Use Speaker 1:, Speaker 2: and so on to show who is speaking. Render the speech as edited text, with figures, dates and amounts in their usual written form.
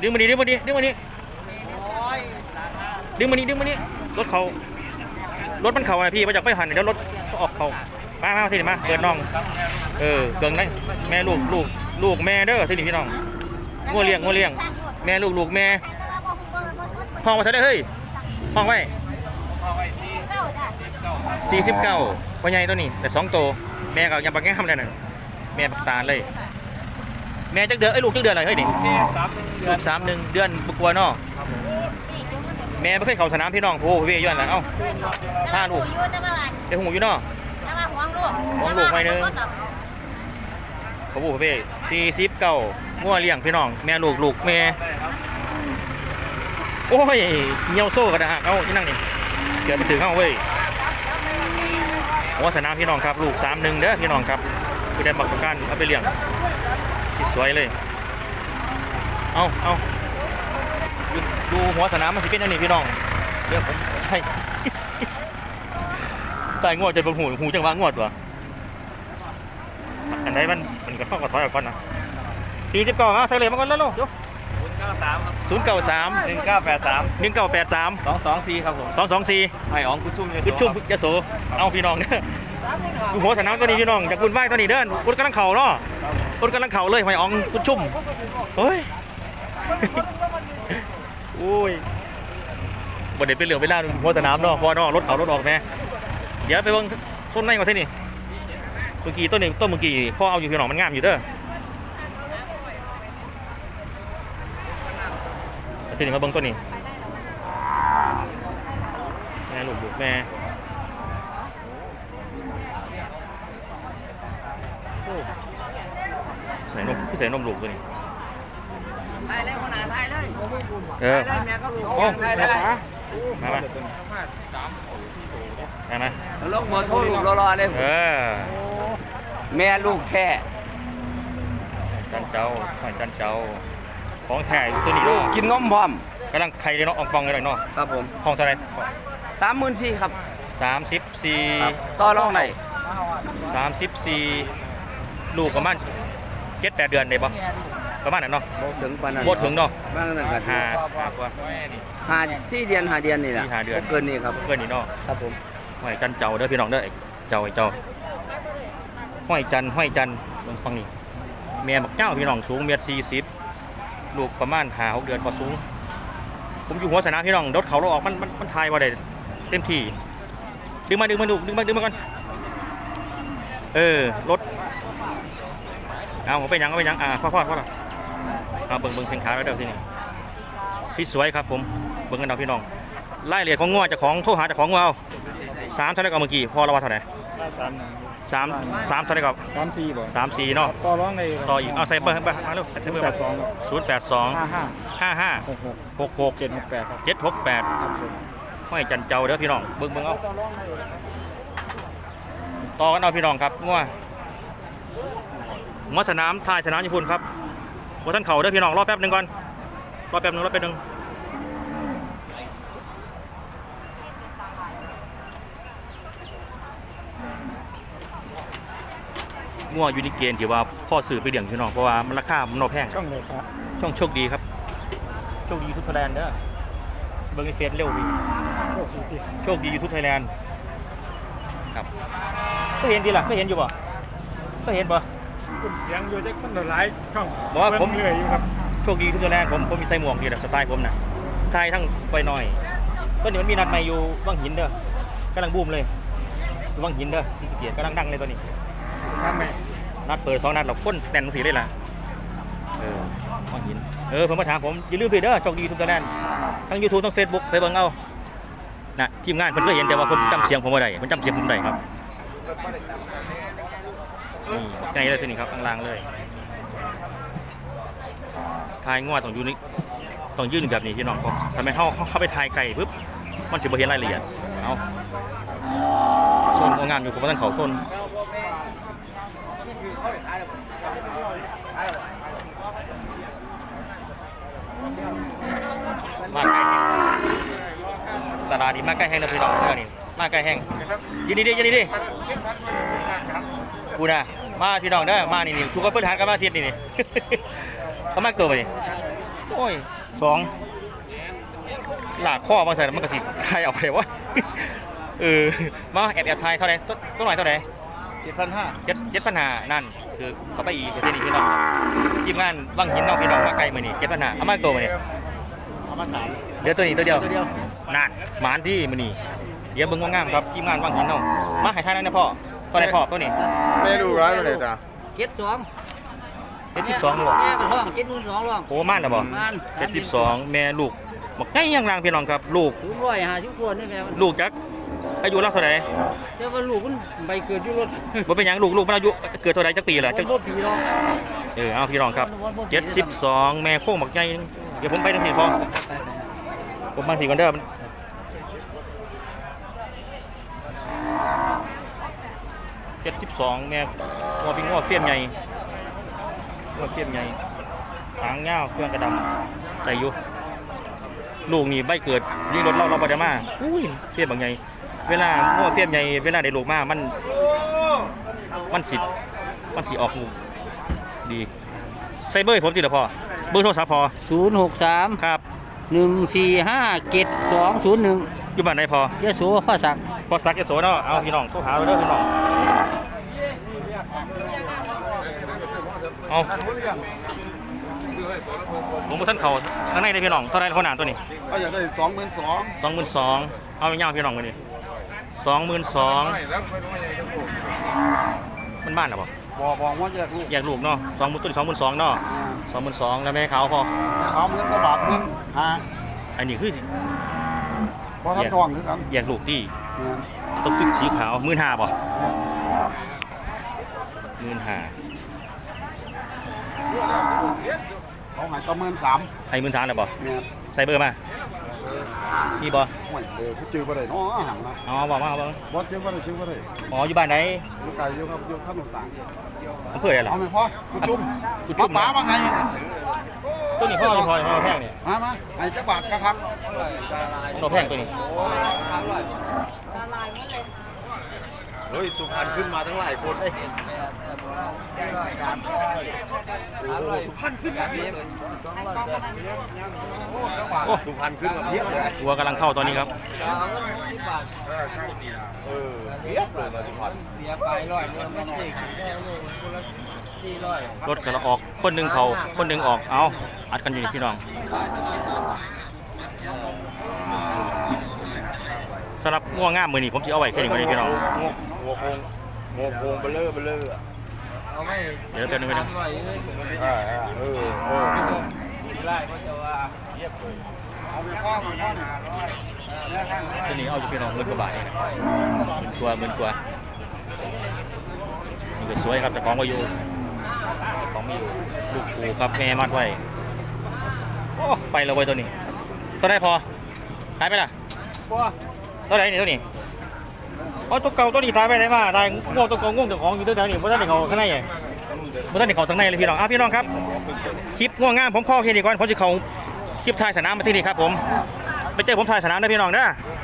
Speaker 1: ดึงมาดิดึงมาดิดึงมาดิดึงมานี่รถเขารถมันเข่าไงพี่มาจากไปหันเดี๋ยวรถออกเขามาทีนี้มาเกิดน้องเกิงได้แม่ลูกแม่เด้อทีนี้พี่น้องงัวเลี้ยงแม่ลูกแม่ห้องมาเท่าได้เฮ้ยห้องไว้49ว่าใหญ่ตัวนี้แต่2ตัวแม่ก็ยังปักแง่ทำได้น่ะแม่ปักตาเลยแม่จักเดือนลูกจักเดือนอะไรเฮ้ยนี่ลูก3 เดือนบุกวัวเนาะแม่ไม่เคยเข้าสนามพี่น้องโอ้พี่ย้อนแล้วเอ้าถ้าลูกเดี๋ยวหูอยู่เนาะห่วงลูกไม่นึงเขาบอกพี่49งัวเลี้ยงพี่น้องแม่ลูกแม่โอ้ยเหี่ยวโซ่กระดาษเอาที่นั่งนี่เกิดไปถึงเข้าเว้ยหัวสนามพี่น้องครับลูก3-1เด้อพี่น้องครับคือได้บักประกันเอาไปเลี้ยงที่สวยเลยเอาดูหัวสนามมันสิเป็นอันนี้พี่น้องเดี๋ยวผมใช่ตายงวดจะเป็นหูจังหวะงวดตัวอันไหนมันก็เข้ากระถอยออกก่อนนะ49ใส่เลยมาก่อนแล้วลูก093 1983
Speaker 2: 224ครับผม
Speaker 1: 224
Speaker 2: ไอ้อ๋องคุณชุ่ม
Speaker 1: ยโสเอาพี่น้องเนี่ยดูหัวสนามตัวนี้พี่น้องจากคุณไหว้ตัวนี้เดินรถกำลังเข่าเนาะรถกำลังเข่าเลยไม่อ๋องคุณชุ่มเฮ้ยโอ้ยบ่ได้เป็นเหลืองเป็นล่าหัวสนามเนาะพอเนาะรถเขารถออกแม่เดี๋ยวไปเบิ่งต้นไม้ก่อนที่นี่เมื่อกี้ต้นเมื่อกี้พ่อเอาอยู่พี่น้องมันงามอยู่เด้อที่นี่มาเบิ่งต้นนี้แม่ลูกแม่ใส่นมลูกตัวนี้
Speaker 2: ไทยเลยคนหนาไทยเลย
Speaker 1: ไทย
Speaker 2: เลยแม่ก็ลูกไทยเลย
Speaker 1: มา
Speaker 2: ลูกหัวโทษลูกรอเลยแม่ลูกแท้
Speaker 1: จันเจ้าของแท้ตัวนี้เนาะ
Speaker 2: กินนมพร้อม
Speaker 1: กำลังไข่เลยเนาะอองปองเลยเนาะ
Speaker 2: ครับผม
Speaker 1: ห้องเท่าไหร่
Speaker 2: 34,000ครับ
Speaker 1: 34
Speaker 2: ต่อรองไหน
Speaker 1: 34ลูกประมาณ7-8 เดือนได้บ่ประมาณนั้นเนาะบ่ถึงเนาะ
Speaker 2: บ้างนั่นกัน
Speaker 1: 5 กว่า
Speaker 2: 4 เดือน5 เดือนนี่แหละ
Speaker 1: 4-5 เดือน
Speaker 2: เกินนี่ครับ
Speaker 1: เกินนี่เนาะ
Speaker 2: ครับผม
Speaker 1: ห้อยจันเจ้าเด้อพี่น้องเด้อเจ้าห้อยจันฟังนี่แม่บักเจ้าพี่น้องสูง1.40 ลูกประมาณ5-6 เดือนพอสูงผมอยู่หัวสนามพี่น้องรถเขาเราออกมันทายว่าได้เต็มที่ดึงมาก่อนรถเอาไปยังพ่อเอาเบิ่งเพลงขาแล้วเดี๋ยวที่นี่ฟิตสวยครับผมเบิ่งกันเอาพี่น้องไล่เรียกของงัวจากของโทรหาจากของงัวเอา3เท่าไหร่ก็เมื่อกี้พอเราว่าเท่าไหร่3เท่าไหร่ก็
Speaker 3: 34บ่
Speaker 1: 34เนาะ
Speaker 3: ต่อร้องใน
Speaker 1: ต่ออีกเอาใส่เบอร์มาเร็วใส่เบอร์082 55 66
Speaker 3: 768ครับ
Speaker 1: 768ห้อยจันเจ้าเด้อพี่น้องเบิ่งเอาต่อกันเอาพี่น้องครับงัวสนามท้ายสนามญี่ปุ่นครับว่าท่านเข่าเด้อพี่น้องรอแป๊บนึงก่อนรอแป๊บนึงงัวยูนิเกนที่ว่าพ่อสื่อไปเลี้ยงพี่น้องเพราะว่ามันราคามันนอแพง
Speaker 3: ช่องเลยครับ
Speaker 1: ช่องโชคดีครับโชคดีทุกไทยแลนด์เด้อเบิ่งในเฟซเร็วพี่โชคดียูทูบไทยแลนด์ครับก็เห็นดีล่ะก็เห็นอยู่ป่ะก็เห็นป่ะ
Speaker 3: เสียงอยู่จะมันหลายช่อง
Speaker 1: บอกว่าผม
Speaker 3: เหนื่อยอยู่ครับ
Speaker 1: โชคดีทุกไทยแลนด์ผมมีใส่หมวกดีแบบสไตล์ผมนะไทยทั้งไปหน่อยก็เดี๋ยวมันมีนัดใหม่อยู่วังหินเด้อกำลังบูมเลยวังหินเด้อซีสเกียร์กำลังดังเลยตัวนี้นัดเปิด2 นัดเราค้นแน่นสีเลยล่ะวังหินผมมาถามผมอย่าลืมเพจเด้อโชคดีทุกไทยแลนด์ทั้ง YouTube ทั้ง Facebook ไปเบิ่งเอานะทีมงานเพิ่นก็เห็นแต่ว่าเพิ่นจำเสียงผมบ่ได้เพิ่นจำเสียงผมได้ครับนี่ไงเลยทีนี้ครับล่างเลยทายงัวต้องยื่นแบบนี้พี่น้องครับทำไมเข้าไปทายไก่ปุ๊บมันสิบ่เห็นรายละเอียดเอาโซนงานอยู่กับท่านเขาโซนมาไก่ตลาดนี้มาใกล้แห้งนะพี่น้องนี่มาใกล้แห้งยินดีดิกูนะมาพี่น้องเด้อมานี่ทุกคนเปิดหากันมาเทียดนี่ก็มากตัวไปนี่โอ้ยสองหลากข้อบางใส่มันก็สิไทยเอาไปวะ มาแอบไทยเท่าไหร่ต้นหน่อยเท่าไหร่
Speaker 3: 7,500
Speaker 1: 7,500นั่นคือเขาไปอีกประเทศนี้พี่น้องทีมงานว่างหินน้องพี่น้องมาไกลมือนี่7,500เอามาตัวมือนี่
Speaker 3: เอามา3
Speaker 1: เดี๋ยวตัวนี้ตัวเดียว
Speaker 3: ตัวเดียว
Speaker 1: นั่นหมานที่มือนี่เดี๋ยวเบิ่งงามๆครับทีมงานว่างหินน้องมาให้ท่านนั่นนะพ่อตัวไหนพ่อตัวนี้
Speaker 3: แม่ดูร้ายมาเลยจ้ะ
Speaker 2: 72
Speaker 1: 72นี่บ่
Speaker 2: แม่เป็นห้อง72ร้อง
Speaker 1: โอ้ม่านนะบ่
Speaker 2: ม่าน
Speaker 1: 72แม่ลูกบอกไงยังรางพี่น้องครับลูก
Speaker 2: ถึง150คนนี่แม่มัน
Speaker 1: ลูกจักอายุเล่าเท่าไหร่
Speaker 2: แต่ว่าลูกมันใบเกิดอยู่รถ
Speaker 1: บ่เป็นหยังลูกมันอายุเกิดเท่าไหร่จักปีล่ะจัก
Speaker 2: รถผีร้อง
Speaker 1: เอาพี่น้องครับ72แม่โค้งบักใหญ่เดี๋ยวผมไปทางนี้พอผมมาที่ก่อนเด้อ72แม่งัวเป็นงัวเฟี้ยมใหญ่งัวเฟี้ยมใหญ่หางยาวเครื่องกระดำใส่อยู่ลูกนี่ใบเกิดยิงรถเราบ่ได้มาอุ้ยเฟี้ยมบักใหญ่เวลางัวเฟี้ยมใหญ่เวลาได้ลูกมามันสิออกลูกดีใส่เบอร์ให้ผมติดละพอเบอร์โทรศัพท์พอ
Speaker 2: 063
Speaker 1: ครับ
Speaker 2: 1457201
Speaker 1: อยู่บ้านไหนพอย
Speaker 2: ะโสภาษัก
Speaker 1: พอสักยโสเนาะเอาพี่น้องโทรหาเราเด้อพี่น้องเอาผมบ่ทันเข้าข้างในได้พี่น้องเท่าไหร่คนหนาตัวนี้
Speaker 3: ก็อยากได้22,000
Speaker 1: 22,000เอาไปย่างพี่น้องมื้อนี้22,000มันบ้านน่ะบ่
Speaker 3: บอกว่าแยกลูก
Speaker 1: แยกลูกเนาะ20,000ตัวนี้22,000เนาะ22,000แล้วแม่ขาวพอ
Speaker 3: เอาเงินกระบาทนึงฮะ
Speaker 1: อันนี้คือสิ
Speaker 3: บ่ทันทองคือกัน
Speaker 1: แยกลูกที่
Speaker 3: เนี่ย
Speaker 1: ต้องตึกสีขาว15,000บ่15,000
Speaker 3: เขาหายประเมิน3
Speaker 1: ให้13,000แล้วบ่
Speaker 3: เนี่ย
Speaker 1: ใส่เบอร์มามีบ่
Speaker 3: โอ้ยผู้จื้อบ่ได้เนาะหังนะ
Speaker 1: อ๋อบอกมาเอาบ่
Speaker 3: บ่จื้อบ่ได้จื้อบ่ได้
Speaker 1: อ๋ออยู่บ้านไหน
Speaker 3: อยู่ไกลอยู่ครับอยู่ข้างนอกต่าง
Speaker 1: อำเภออะไรล่ะ
Speaker 3: เอาไหมพ่อกูจุ่ม
Speaker 1: กูจุ่ม
Speaker 3: ป๋ามาไง
Speaker 1: ตัวนี้พ่อจะพอแพงเนี่ย
Speaker 3: มาไอ้จักบาทครับ
Speaker 1: ตัวแพงตัวนี้
Speaker 3: เฮ้ยสุพรรณขึ้นมาทั้งหลายคนเลยสุพรรณขึ้นมาเพียบสุพรรณขึ้นมาเพียบเลย
Speaker 1: วัวกำลังเข้าตอนนี้ครับ
Speaker 3: เพียบเลยมาสุพรรณ
Speaker 1: รถกำลังออกคนหนึ่งเขาคนหนึ่งออกเอาอัดกันอยู่นี่พี่น้องสำหรับง่วงง่ามมือนี่ผมจะเอาไว้แค่นี้ก่อนเลยพี่น้อง
Speaker 3: หัวโคงเบลเลอร์
Speaker 1: เดี๋ยวแป๊บนึงไปนึง
Speaker 3: เอาไปข้อมาข้อหนึ่ง
Speaker 1: ตัวนี้เอาอยู่พี่น้อง10,000 กว่าบาทเองนะ10,000 กว่านี่ก็สวยครับแต่ของก็อยู่ของมีอยู่ลูกผูครับแม่มัดไว้โอ้ไปแล้วเว้ยตัวนี้ตัวได้พอตายไปล่ะตัวไหนนี่ตัวนี้อ๋อตัวเก่าตัวนี้ตายไปไหนมาตายง่วงตัวเก่าง่วงตัวของอยู่ตัวไหนนี่บ่ทันได้เข้าข้างในไงบ่ทันได้เข้าข้างในเลยพี่น้องพี่น้องครับคลิปง่วงงามผมขอแค่นี้ก่อนผมจะเข้าคลิปถ่ายสนามมาที่นี่ครับผมไปเจอผมถ่ายสนามนะพี่น้องเด้อ